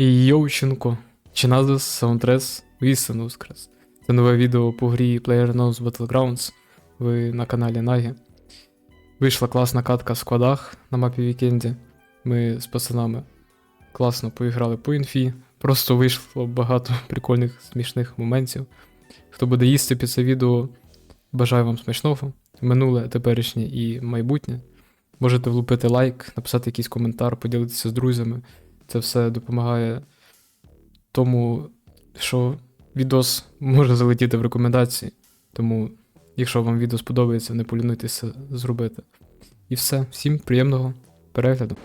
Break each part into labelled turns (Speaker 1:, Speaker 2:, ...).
Speaker 1: Йовченко. Чиназис Саундтрес Вістину Воскрес. Це нове відео по грі PlayerUnknown's Battlegrounds. Ви на каналі Нагі. Вийшла класна катка в складах на мапі Вікенді. Ми з пацанами класно поіграли по інфі. Просто вийшло багато прикольних, смішних моментів. Хто буде їсти під це відео, бажаю вам смачного. Минуле, теперішнє і майбутнє. Можете влупити лайк, написати якийсь коментар, поділитися з друзями. Це все допомагає тому, що відос може залетіти в рекомендації. Тому, якщо вам відео сподобається, не полінуйтеся зробити. І все. Всім приємного перегляду.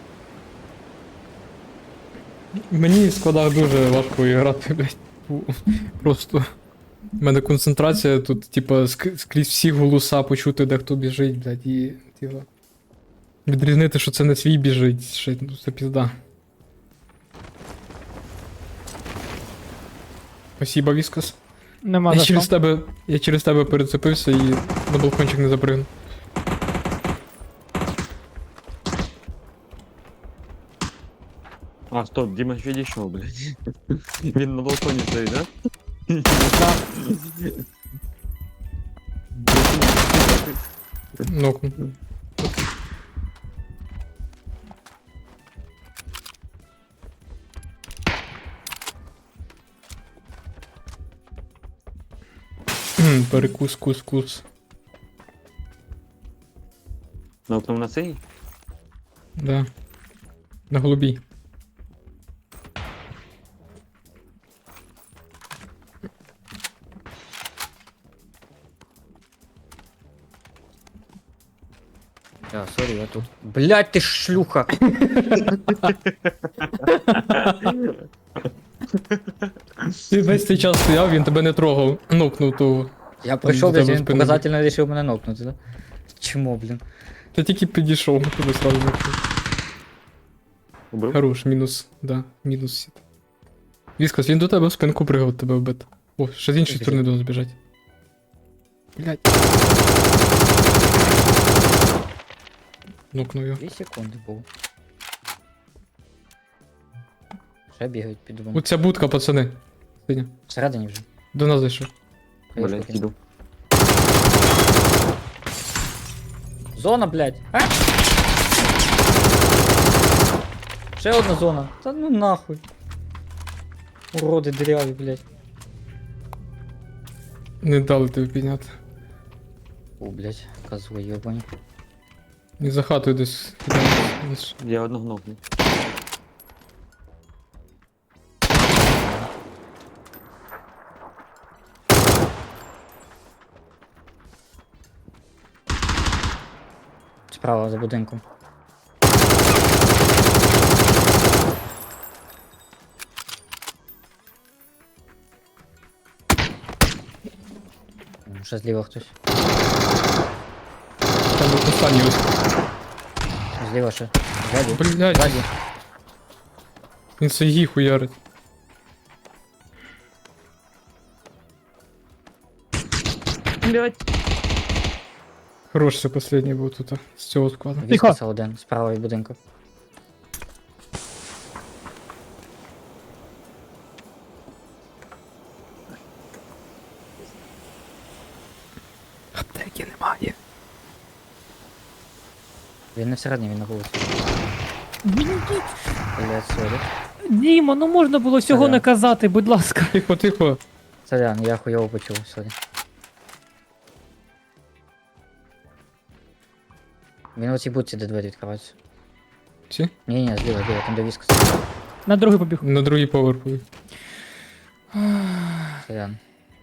Speaker 1: Мені в складах дуже важко грати, блядь. Просто. У мене концентрація тут, типа, скрізь всі голоса почути, де хто біжить, блядь, і, типа. Відрізнити, що це не свій біжить, ще, ну, це пізда. Спасибо, Віскас.
Speaker 2: Нема за що.
Speaker 1: Я через тебе перецепився і на балкончик не запригнув.
Speaker 3: А, стоп, Дима відійшов, блядь. Він на балконі стоїть, да?
Speaker 1: Ну. Перекус, кус.
Speaker 3: На окном на цей?
Speaker 1: Да. На голубій.
Speaker 2: Я, сорі, я тут. Блять, ти ж шлюха!
Speaker 1: Ти весь цей час стояв, він тебе не трогав. Нокнув того.
Speaker 2: Я прийшов,
Speaker 1: до
Speaker 2: десь
Speaker 1: тебе
Speaker 2: він
Speaker 1: спину.
Speaker 2: показательно вирішив мене нокнути, да? Чому, блін?
Speaker 1: Ти тільки підійшов, тебе сразу нокнув.
Speaker 3: Убив?
Speaker 1: Хорош, мінус, да, мінус сіт. Віскас, він до тебе в спинку пригав, тебе вбити. О, ще з іншої сторони до нас біжать. Блять. Нокнув його.
Speaker 2: 2 секунди був. Ще бігають під вон.
Speaker 1: Оця будка, пацани. Синя.
Speaker 2: Всередині вже.
Speaker 1: До нас зайшов.
Speaker 3: Блядь, іду.
Speaker 2: Зона, блядь. А? Ще одна зона. Та ну нахуй. Уроди дыряві, блядь.
Speaker 1: Не дали тобі підняти.
Speaker 2: О, блядь, козли йобані.
Speaker 1: І за хатою десь. Десь.
Speaker 3: Я одного ногну.
Speaker 2: Справа за будинком. Ще зліва хтось.
Speaker 1: Там був останній ось.
Speaker 2: Зліва ще. Ззаді.
Speaker 1: Блять,
Speaker 2: Ззаді.
Speaker 1: він сайгі хуярить.
Speaker 3: Блядь.
Speaker 1: Хорош, це останній був тут, з цього складу.
Speaker 2: Віскаса один, справа від будинку.
Speaker 1: Аптеки немає.
Speaker 2: Він не всередині, він на вулиці. Блядь, сорі.
Speaker 4: Діма, ну можна було всього
Speaker 2: Сорян.
Speaker 4: не казати, будь ласка.
Speaker 1: Тихо, тихо.
Speaker 2: Сорян, я хуйово почув, сорі. Він у цій будці, де двері відкриваються.
Speaker 1: Ці?
Speaker 2: Ні, зліва, там де Віскас.
Speaker 4: На другий побіг.
Speaker 1: На другий поверх.
Speaker 2: Сорян.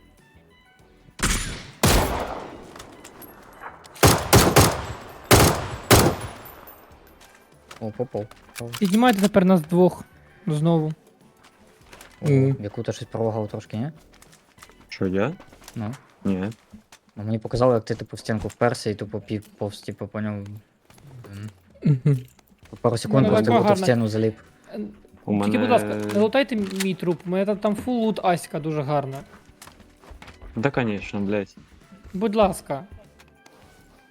Speaker 2: О, попав.
Speaker 4: Піднімайте тепер нас двох. Знову.
Speaker 2: О, яку-то щось пролагав трошки, ні?
Speaker 3: Що, я?
Speaker 2: Ну.
Speaker 3: Ні.
Speaker 2: Ну, мені показало, як ти типу в стінку вперся і тупо повз, типу, по ньому.
Speaker 1: Угу.
Speaker 2: Пару секунд
Speaker 4: Ну,
Speaker 2: просто
Speaker 4: така
Speaker 2: в
Speaker 4: гарна.
Speaker 2: стіну заліп.
Speaker 3: У мене...
Speaker 4: Тільки, будь ласка, не лутайте мій труп, у мене там фул лут Аська дуже гарна.
Speaker 3: Да, конечно, блядь.
Speaker 4: Будь ласка.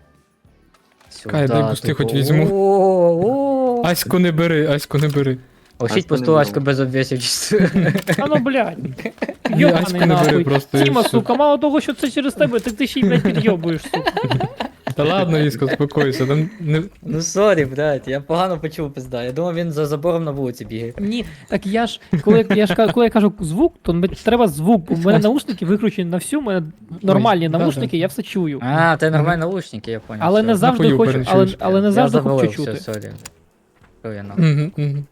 Speaker 2: Сюда,
Speaker 1: Кай, дай бусти
Speaker 2: типу.
Speaker 1: хоч візьму.
Speaker 2: О-о-о.
Speaker 1: Аську не бери, Аську не бери.
Speaker 2: Ощіть
Speaker 3: Аську не
Speaker 2: постулачку
Speaker 3: беру.
Speaker 2: без обвісів чисто.
Speaker 4: А ну, блядь.
Speaker 1: Аську
Speaker 4: Йобаний
Speaker 1: не бери
Speaker 4: нахуй.
Speaker 1: просто і
Speaker 4: Тіма,
Speaker 1: все.
Speaker 4: сука, мало того, що це через тебе, так ти ще й, блядь, підйобуєш, сука.
Speaker 1: Та ладно, Іска, спокойся. Там не...
Speaker 2: Ну сорі, блядь, я погано почув, пизда. Я думав, він за забором на вулиці бігає.
Speaker 4: Ні, так я ж, коли я кажу звук, то треба звук, бо в мене наушники виключені на всю, в мене нормальні
Speaker 1: да-да.
Speaker 4: наушники, я все чую.
Speaker 2: А, це нормальні наушники, я понял.
Speaker 4: Але
Speaker 2: все.
Speaker 4: не завжди
Speaker 1: Напою
Speaker 4: хочу,
Speaker 1: переночуєш.
Speaker 4: але не
Speaker 2: Я
Speaker 4: завжди
Speaker 2: завалив,
Speaker 4: хочу
Speaker 2: все,
Speaker 4: чути.
Speaker 2: сорі. Що я нахуй.
Speaker 1: Мгм, мгм.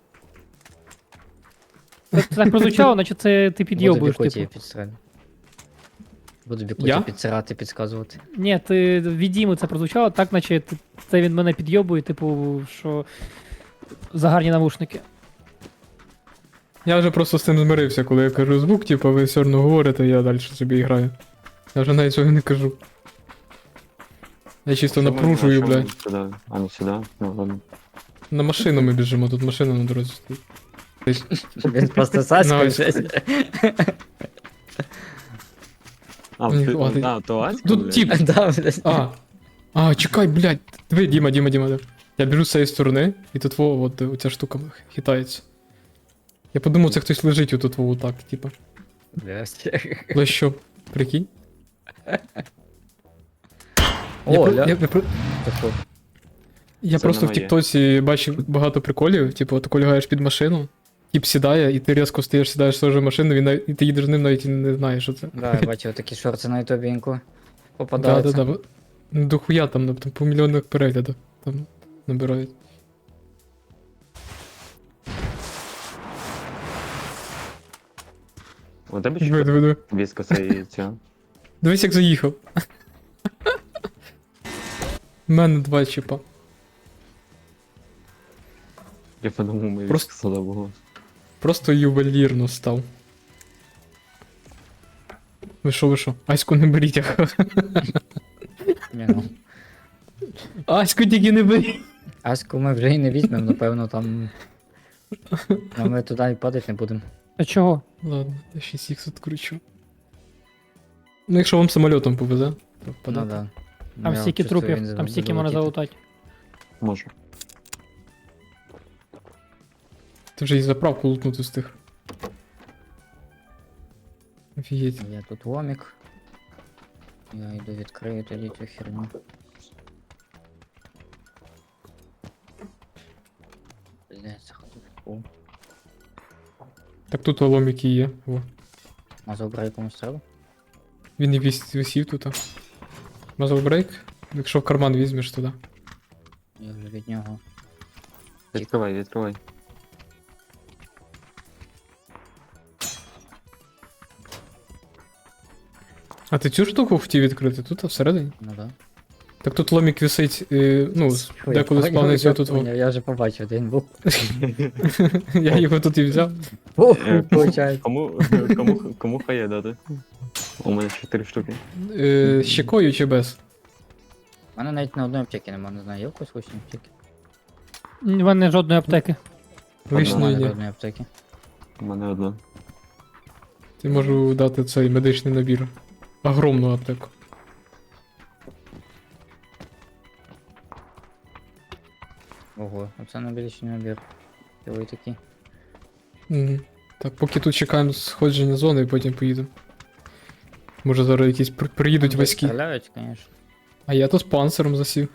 Speaker 4: Це так прозвучало, наче це ти
Speaker 2: Буду
Speaker 4: підйобуєш,
Speaker 2: бікуті
Speaker 4: типу.
Speaker 2: підстрелю. Буду бікуті
Speaker 1: Я?
Speaker 2: підсирати, підсказувати.
Speaker 4: Ні, ти від Діми це прозвучало, так наче це він мене підйобує, типу, що за гарні навушники.
Speaker 1: Я вже просто з цим змирився, коли я кажу звук, типу, ви все одно говорите, я далі собі граю. Я вже навіть цього не кажу. Я чисто
Speaker 3: Чому
Speaker 1: напружую,
Speaker 3: не
Speaker 1: блядь.
Speaker 3: Сюди, а не сюди. Ну ладно.
Speaker 1: На машину ми біжимо, тут машина на дорозі стоїть.
Speaker 2: Він просто саською
Speaker 1: Давай.
Speaker 2: щось.
Speaker 3: А,
Speaker 1: Ні,
Speaker 3: ти,
Speaker 1: хватить.
Speaker 3: то Аська,
Speaker 1: Тут
Speaker 3: блядь?
Speaker 1: тип.
Speaker 2: Да, блядь.
Speaker 1: Чекай, блядь. Диви, Діма. Я біжу з цієї сторони, і тут от оця штука хитається. Я подумав, це хтось лежить отут так, типа.
Speaker 2: Блядь.
Speaker 1: Але що, прикинь?
Speaker 2: О,
Speaker 1: я,
Speaker 2: ля.
Speaker 1: я,
Speaker 2: Таку.
Speaker 1: я
Speaker 3: Це
Speaker 1: просто
Speaker 3: не
Speaker 1: в
Speaker 3: моє.
Speaker 1: Тіктоці бачив багато приколів, типу, от коли лягаєш під машину, тип сідає, і ти різко встаєш, сідаєш теж в машину, і ти їдеш з ним, навіть і не знаєш, що це.
Speaker 2: Да, я бачив такі шорти на ютубі інку.
Speaker 1: Да,
Speaker 2: Попадаються.
Speaker 1: да. Дохуя там по мільйонах переглядів там набирають.
Speaker 3: У тебе
Speaker 1: Диви,
Speaker 3: що?
Speaker 1: диви, диви.
Speaker 3: Віска і ця.
Speaker 1: Дивись, як заїхав. У мене 2 чіпа.
Speaker 3: Я подумав, ми
Speaker 1: Просто-
Speaker 3: віска було.
Speaker 1: Просто ювелірно став. Ви що? Аську не беріть,
Speaker 2: Ні, ну.
Speaker 1: Аську тільки не беріть.
Speaker 2: Аську ми вже і не візьмемо, напевно, там. Ну, ми туди і падати не будемо.
Speaker 4: А чого?
Speaker 1: Ладно, я 6х відкручу. Ну, якщо вам самольотом повезе, то
Speaker 2: Ну
Speaker 1: впадати.
Speaker 2: да.
Speaker 4: Там
Speaker 2: Я
Speaker 4: стільки
Speaker 2: чувствую,
Speaker 4: трупів,
Speaker 2: він
Speaker 4: там стільки можна
Speaker 2: залетіти.
Speaker 4: залутати.
Speaker 3: Можу.
Speaker 1: Ти вже і заправку лутнути встиг. Офігеть.
Speaker 2: Є тут ломік. Я йду відкрию тоді цю херню. Блять, заходу в пол.
Speaker 1: Так тут ломики є. Во.
Speaker 2: Мазав брай комусь треба?
Speaker 1: Він і висів тут. Мазав брейк. Якщо в карман візьмеш туди.
Speaker 2: Я вже від нього.
Speaker 3: Відкривай.
Speaker 1: А ти цю штуку хотів відкрити? Тут всередині?
Speaker 2: Ну да.
Speaker 1: Так тут ломік висить,
Speaker 2: Фу, я
Speaker 1: деколи
Speaker 2: поняв,
Speaker 1: спавниться
Speaker 2: я
Speaker 1: тут.
Speaker 2: поняв, Я вже побачив, де він був.
Speaker 1: Я його тут і взяв.
Speaker 2: Получається.
Speaker 3: Кому хає дати? У мене 4 штуки.
Speaker 1: Щекою чи без?
Speaker 2: У мене навіть на одної аптеки нема, не знаю, є в когось хоч аптеки?
Speaker 4: В мене жодної аптеки.
Speaker 1: Вишньої
Speaker 2: Нема
Speaker 1: ні.
Speaker 2: одної аптеки.
Speaker 3: У мене одна.
Speaker 1: Ти можу дати цей медичний набір. Огромну аптеку.
Speaker 2: Ого, оце набірічний набір. Ти такий.
Speaker 1: Угу. Так, поки тут чекаємо сходження зони і потім поїдемо. Може зараз якісь приїдуть
Speaker 2: Там
Speaker 1: військи.
Speaker 2: Стріляють, звісно.
Speaker 1: А я тут з панциром засів.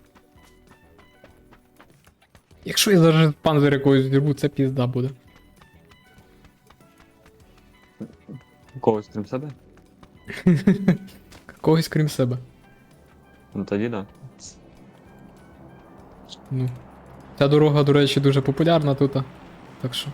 Speaker 1: Якщо я зараз панцир якогось зірву, це пізда буде.
Speaker 3: Когось крім себе?
Speaker 1: Когось крім себе.
Speaker 3: Ну тоді да.
Speaker 1: Ну. Ця дорога, до речі, дуже популярна тут. Так що.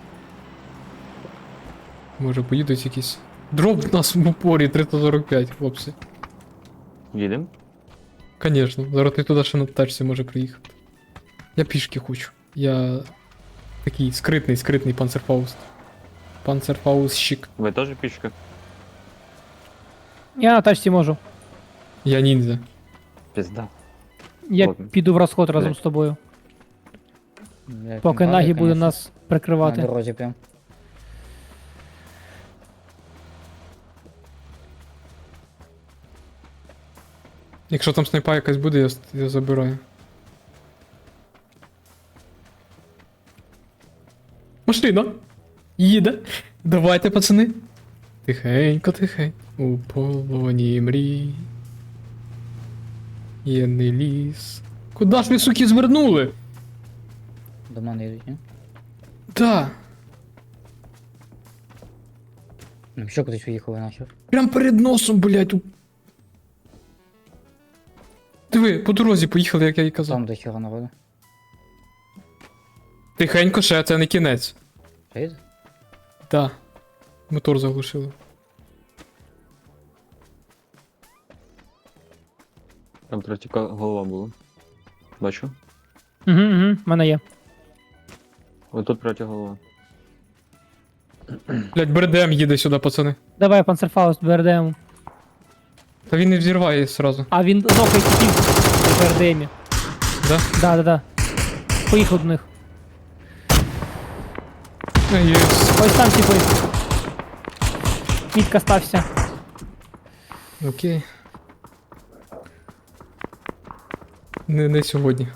Speaker 1: Може поїдуть якісь. Дроп в нас в упорі 345, хлопці.
Speaker 3: Їдем?
Speaker 1: Конечно, зараз ти туди ще на тачці може приїхати. Я пішки хочу. Я такий скритний панцерфауст. Панцерфаустщик.
Speaker 3: Ви теж пішки?
Speaker 4: Я на тачці можу.
Speaker 1: Я ніндзя.
Speaker 3: Пізда.
Speaker 4: Я
Speaker 3: Ладно.
Speaker 4: піду в розход разом
Speaker 3: Блядь.
Speaker 4: з тобою.
Speaker 2: Блядь,
Speaker 4: Поки
Speaker 2: він
Speaker 4: Нагі
Speaker 2: падає,
Speaker 4: буде
Speaker 2: конечно,
Speaker 4: нас
Speaker 2: на
Speaker 4: прикривати.
Speaker 2: дорозі прям.
Speaker 1: Якщо там снайпа якась буде, я забираю. Машина! машина. Їде. Давайте, пацани. Тихенько, тихенько. У полоні мрій. Єдний ліс. Куда ж ви, суки, звернули?
Speaker 2: До мене йдуть, ні?
Speaker 1: Да.
Speaker 2: Ну, що кудись уїхали нахер?
Speaker 1: Прям перед носом, блядь. Диви, по дорозі поїхали, як я і казав.
Speaker 2: Там до хера народу.
Speaker 1: Тихенько ще, це не кінець.
Speaker 2: Що йде?
Speaker 1: Да. Мотор заглушили.
Speaker 3: Там третя голова була. Бачу.
Speaker 4: Угу, в мене є.
Speaker 3: Ось тут третя голова.
Speaker 1: Блядь, БРДМ їде сюди, пацани.
Speaker 4: Давай, панцерфауст, БРДМ.
Speaker 1: Та він не взірває сразу.
Speaker 4: А він нокає типів в БРДМі.
Speaker 1: Да?
Speaker 4: Да. Поїхав до них.
Speaker 1: Єс.
Speaker 4: Ось там типи. Мітка стався.
Speaker 1: Окей. Не сьогодні.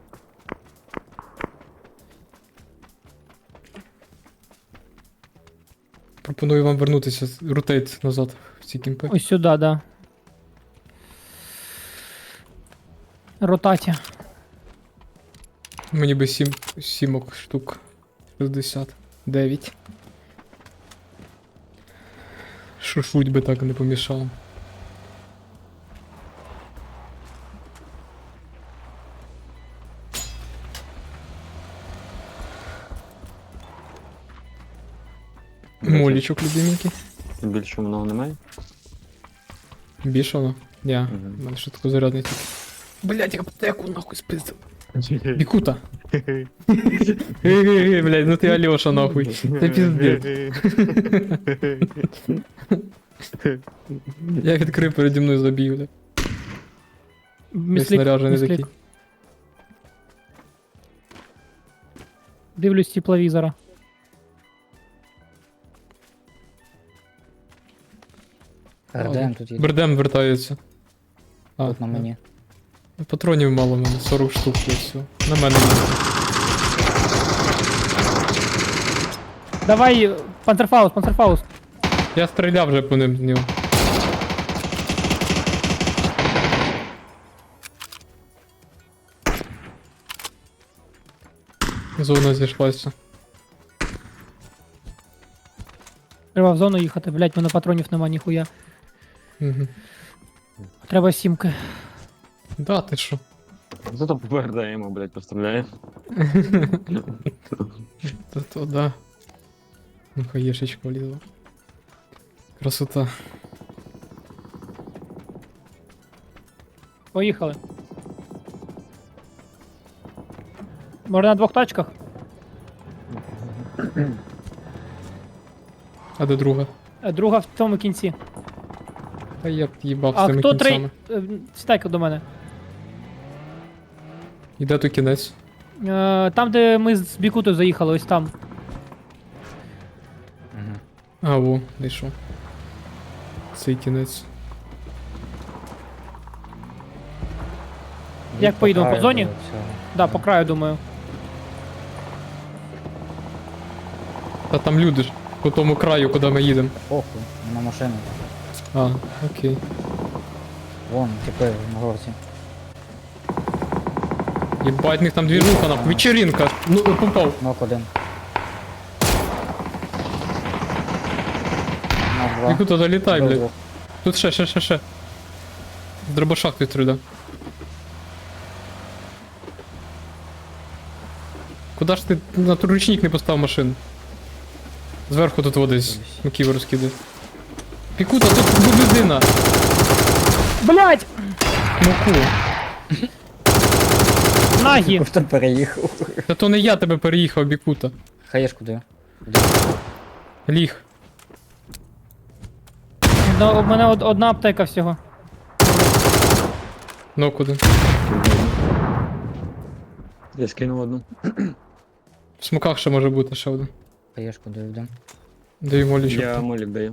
Speaker 1: Пропоную вам вернутися, ротейт назад в ці кімпи.
Speaker 4: Ось сюди, да. Ротаті.
Speaker 1: Мені би 7 штук. 69. Шушуть би так не помішало. Молічок любименький.
Speaker 3: Більше много немає.
Speaker 1: Більше воно? Ні,
Speaker 3: Мгм.
Speaker 1: в мене ще тако зарядний тільки. Блять, я аптеку нахуй спиздив. Бікута. Блять, ну ти Альоша нахуй. Це піздець. Я відкрив переді мною забіг, бля. Весь снаряжений
Speaker 4: міслік.
Speaker 1: такий.
Speaker 4: Дивлюсь тепловізора.
Speaker 2: РДМ тут є.
Speaker 1: Бердем вертається.
Speaker 2: Тут на мені.
Speaker 1: Патронів мало в мене, 40 штук і все. На мене є.
Speaker 4: Давай, панцерфауст.
Speaker 1: Я стріляв вже по ним з нього. Зона зійшлася.
Speaker 4: Треба в зону їхати, блять, в мене патронів нема ніхуя.
Speaker 1: Угу.
Speaker 4: Треба сімки.
Speaker 1: Да, ти що?
Speaker 3: Зато повердаємо, блядь, постріляє.
Speaker 1: То да. Ну хаєшечка влізла. Красота.
Speaker 4: Поїхали. Може на двох тачках?
Speaker 1: А де друга?
Speaker 4: Друга в цьому кінці.
Speaker 1: Та я б їбав з
Speaker 4: А
Speaker 1: цими
Speaker 4: хто
Speaker 1: кінцями.
Speaker 4: Сідайте до мене.
Speaker 1: Іде то кінець.
Speaker 4: Там, де ми з Бікутою заїхали, ось там.
Speaker 1: А, во, знайшов. Цей кінець.
Speaker 4: Як поїдемо, по зоні?
Speaker 2: Все.
Speaker 4: Да, по краю, думаю.
Speaker 1: Та там люди ж. По тому краю, куди ми їдемо.
Speaker 2: Похуй, на машину.
Speaker 1: А, окей.
Speaker 2: Вон, тепер на горці.
Speaker 1: Єбать, в них там двіжуха нахуй. Вечеринка. Ну, попав.
Speaker 2: Нок один. Нок два.
Speaker 1: Яку то долітай,
Speaker 2: До
Speaker 1: блядь.
Speaker 2: двох.
Speaker 1: Тут ще. З дробашах ти стріля. Куда ж ти на ручник не поставив машину? Зверху тут водись. Маківи розкидай. Пікута, тут людина.
Speaker 4: Блять!
Speaker 1: Муку.
Speaker 4: Нагі!
Speaker 2: Хто переїхав?
Speaker 1: Та то не я тебе переїхав, Бікута.
Speaker 2: Хаєшку даю.
Speaker 1: Ліг.
Speaker 4: У мене одна аптека всього.
Speaker 1: Ну куди?
Speaker 3: Я скинув одну.
Speaker 1: В смоках ще може бути ще один.
Speaker 2: Хаєшку даю, да.
Speaker 1: Даю молічок.
Speaker 3: Я молік даю.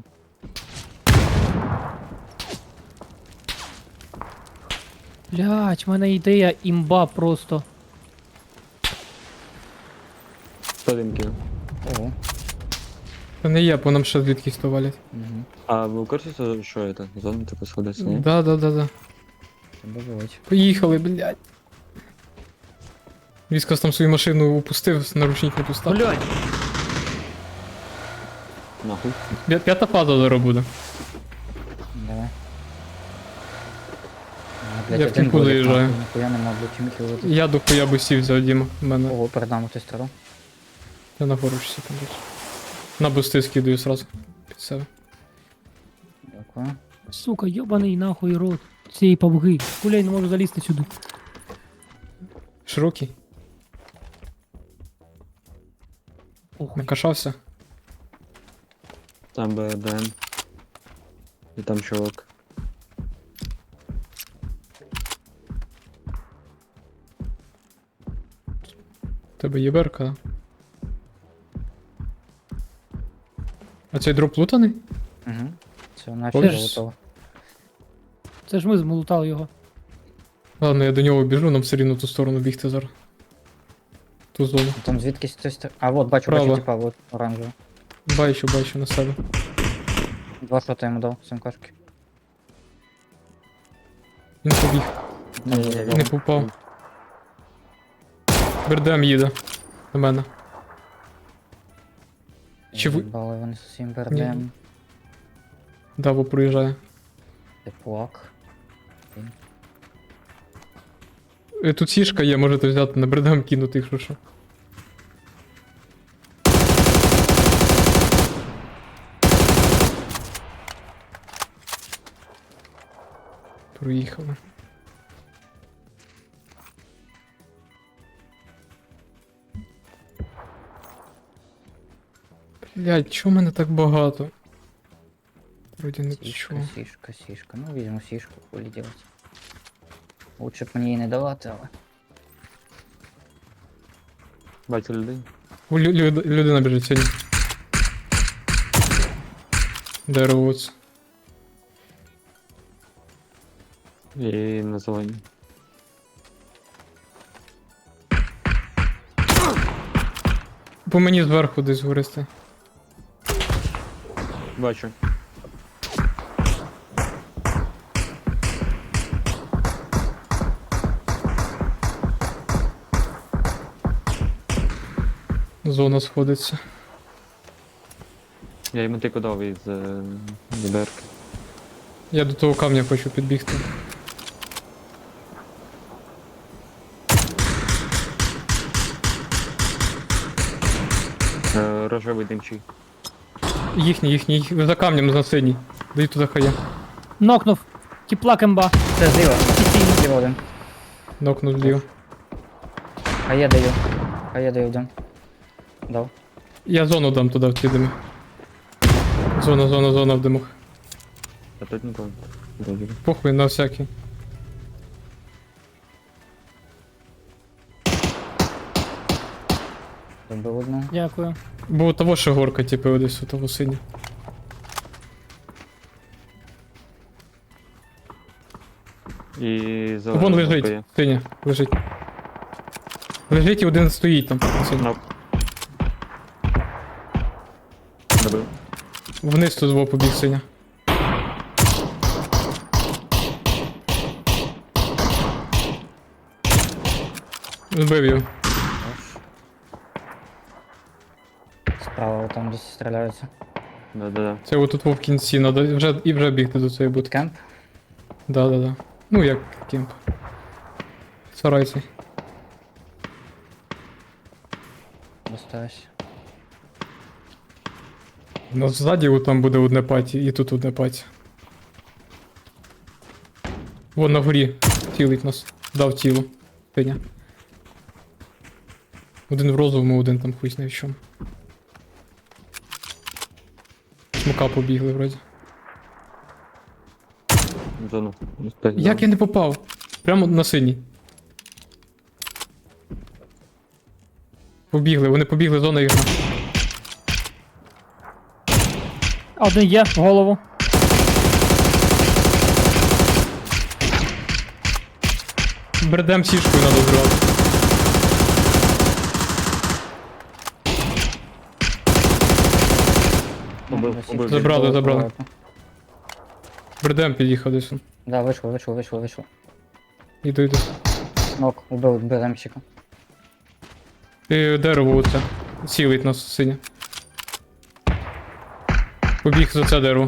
Speaker 4: Блять, в мене ідея імба просто.
Speaker 3: 101 кинув.
Speaker 2: Ого.
Speaker 1: Та не є, по нам ще звідкись то валять.
Speaker 2: Угу.
Speaker 3: А ви в курсі, що це? Зона типу сходиться, ні?
Speaker 1: Да.
Speaker 2: Тебе бувать.
Speaker 1: Поїхали, блядь. Віскас там свою машину упустив, наручник не пустав.
Speaker 4: Блядь.
Speaker 3: Нахуй.
Speaker 1: П'ята фаза зараз буде.
Speaker 2: Давай.
Speaker 1: Я в кімку заїжджаю.
Speaker 2: Ніхуя нема, блядь, чим хілити.
Speaker 1: Я до хуя би сів взяв, Діма. У мене.
Speaker 2: Ого, перед нами хтось старав.
Speaker 1: Я на гору ще там більше. На бусти скидаю сразу під себе.
Speaker 2: Дякую.
Speaker 4: Сука, йобаний нахуй рот. Цієї павги. Гуляй, не можу залізти сюди.
Speaker 1: Широкий.
Speaker 4: Похуй.
Speaker 1: Накашався.
Speaker 3: Там БДМ. І там чувак.
Speaker 1: У тебе є берка. А цей дроп лутаний?
Speaker 2: Угу. Це
Speaker 1: Хочеш?
Speaker 2: нафіг готово.
Speaker 4: Це ж ми змолотали його.
Speaker 1: Ладно, я до нього біжу, нам все рівно в ту сторону бігти зараз. Ту зону.
Speaker 2: Там звідкись хтось... А, вот, бачу,
Speaker 1: Право.
Speaker 2: бачу, типа, вот, оранжевий.
Speaker 1: Бачу на себе.
Speaker 2: 2 шота йому дав, СМКшки.
Speaker 1: Він побіг.
Speaker 2: Не
Speaker 1: Не попав. Бердем їде. До мене. Чи ви-
Speaker 2: Бали вони з усім бердем.
Speaker 1: Даво проїжджає.
Speaker 2: Теплак.
Speaker 1: Тут сішка є, можете взяти на бердем кинути, якщо що. Проїхали. Блядь, чого мене так багато? Вроді не
Speaker 2: Сішка,
Speaker 1: чого.
Speaker 2: сішка. Ну, візьму сішку, хули делать. Лучше б мені її не давати, але...
Speaker 3: Бачу людей.
Speaker 1: Людина біжить сьогодні. Дерево оце.
Speaker 3: І на зелені.
Speaker 1: По мені зверху десь гористи.
Speaker 3: Бачу.
Speaker 1: Зона сходиться.
Speaker 3: Я йому тільки дав із відерки.
Speaker 1: Я до того камня хочу підбігти.
Speaker 3: Рожевий димчий.
Speaker 1: Їхній, за камнем на синій. Дай туди хая.
Speaker 4: Нокнув. Тіпла кемба.
Speaker 2: Це зліва. Зліва один.
Speaker 1: Нокнув зліва.
Speaker 2: А я даю один. Дав.
Speaker 1: Я зону дам туди в ті дими. Зона в димах.
Speaker 3: А тут нікого. Добре.
Speaker 1: Похуй на всякий.
Speaker 2: Добив одну.
Speaker 4: Дякую.
Speaker 1: Бо у того ще горка, типу, десь у того синя.
Speaker 3: І зелена.
Speaker 1: Вон
Speaker 3: кнопка
Speaker 1: лежить,
Speaker 3: є.
Speaker 1: синя, лежить. Лежить і один стоїть там. Синя.
Speaker 3: Нок. Добив.
Speaker 1: Вниз тут зво побіг синя. Збив його.
Speaker 2: Справа там десь стріляються.
Speaker 3: Да.
Speaker 1: Це отут в кінці, надо вже бігти до цієї будки.
Speaker 2: Кемп.
Speaker 1: Да. Ну як кемп. Сарай цей.
Speaker 2: Достаюсь.
Speaker 1: У нас ззаді от там буде одне паті, і тут одне паті. Вон на горі цілить нас. Дав тіло. Синя. Один в розовому, один там хуй знає в чому. Смока побігли вроді.
Speaker 3: Зону.
Speaker 1: Як я не попав? Прямо на синій. Вони побігли, зона їхня.
Speaker 4: Один є, в голову.
Speaker 1: Бердем сішкою надо зривати.
Speaker 3: Убив.
Speaker 1: Забрали. Бредем під'їхав десь.
Speaker 2: Да, вийшов.
Speaker 1: Іду.
Speaker 2: Нок, убив БРМщика.
Speaker 1: І дерево оце. Цілить нас синя. Побіг за це дерево.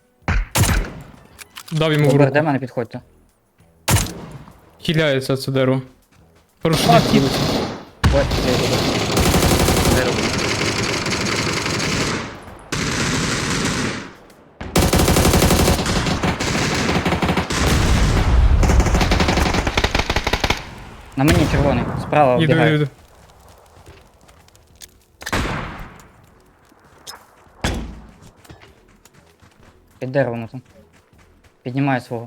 Speaker 1: Дав йому в руку.
Speaker 2: До мене підходьте.
Speaker 1: Хиляється це дерево. Хороший
Speaker 4: А,
Speaker 1: хід.
Speaker 4: кіт.
Speaker 2: Ось, я йду.
Speaker 3: Дерево.
Speaker 2: На мені червоний, справа вбігає.
Speaker 1: Іду.
Speaker 2: Під деревом там. Піднімає свого.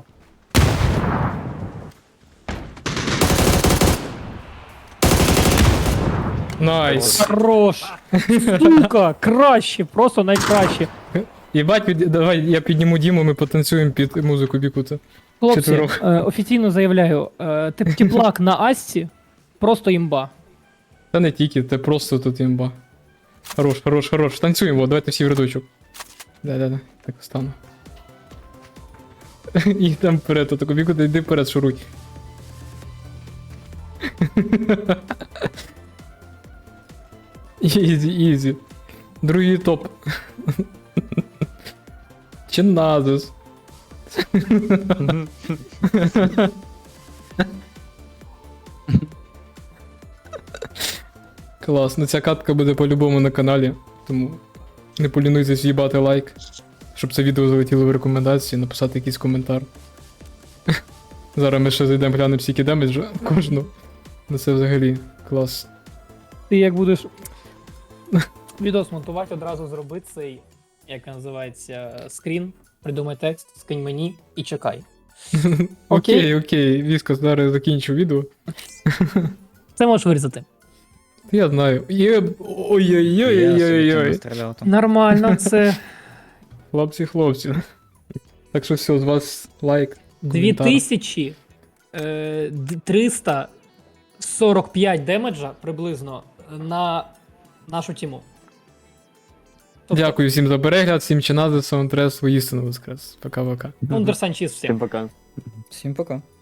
Speaker 1: Найс.
Speaker 4: Хорош! Сука, краще, просто найкраще.
Speaker 1: Єбать, давай я підніму Діму, ми потанцюємо під музику Бікута.
Speaker 4: Хлопці,
Speaker 1: Четверох.
Speaker 4: офіційно заявляю, теплак на Асті просто імба.
Speaker 1: Та не тільки, це просто тут імба. Хорош. Танцюємо, давайте всі в рядочок. Да. Так стану. І там вперед, отако Бікута, йди вперед, шуруй. Ізі. Другий топ. Чиназис. Клас, ну ця катка буде по-любому на каналі, тому не полінуйтесь в'їбати лайк, щоб це відео залетіло в рекомендації, написати якийсь коментар. Зараз ми ще зайдемо глянемо скільки демеджу кожну. Ну це взагалі клас.
Speaker 4: Ти як будеш відос монтувати, одразу зроби цей, як він називається, скрін, придумай текст, скинь мені і чекай.
Speaker 1: Окей, Віска, зараз закінчу відео.
Speaker 4: Це можеш вирізати.
Speaker 1: Я знаю. Ой-ой-ой-ой-ой-ой.
Speaker 2: Стріляв там.
Speaker 4: Нормально, це
Speaker 1: Хлопці. Так що все, з вас лайк. коментар.
Speaker 4: 2345 демеджа приблизно на нашу тіму. Тобто,
Speaker 1: Дякую всім за перегляд, всім чинази, саундтрес, воістину воскрес. Пока-пока.
Speaker 4: Ундер Санчіз всім.
Speaker 3: Всім пока.
Speaker 2: Всім пока.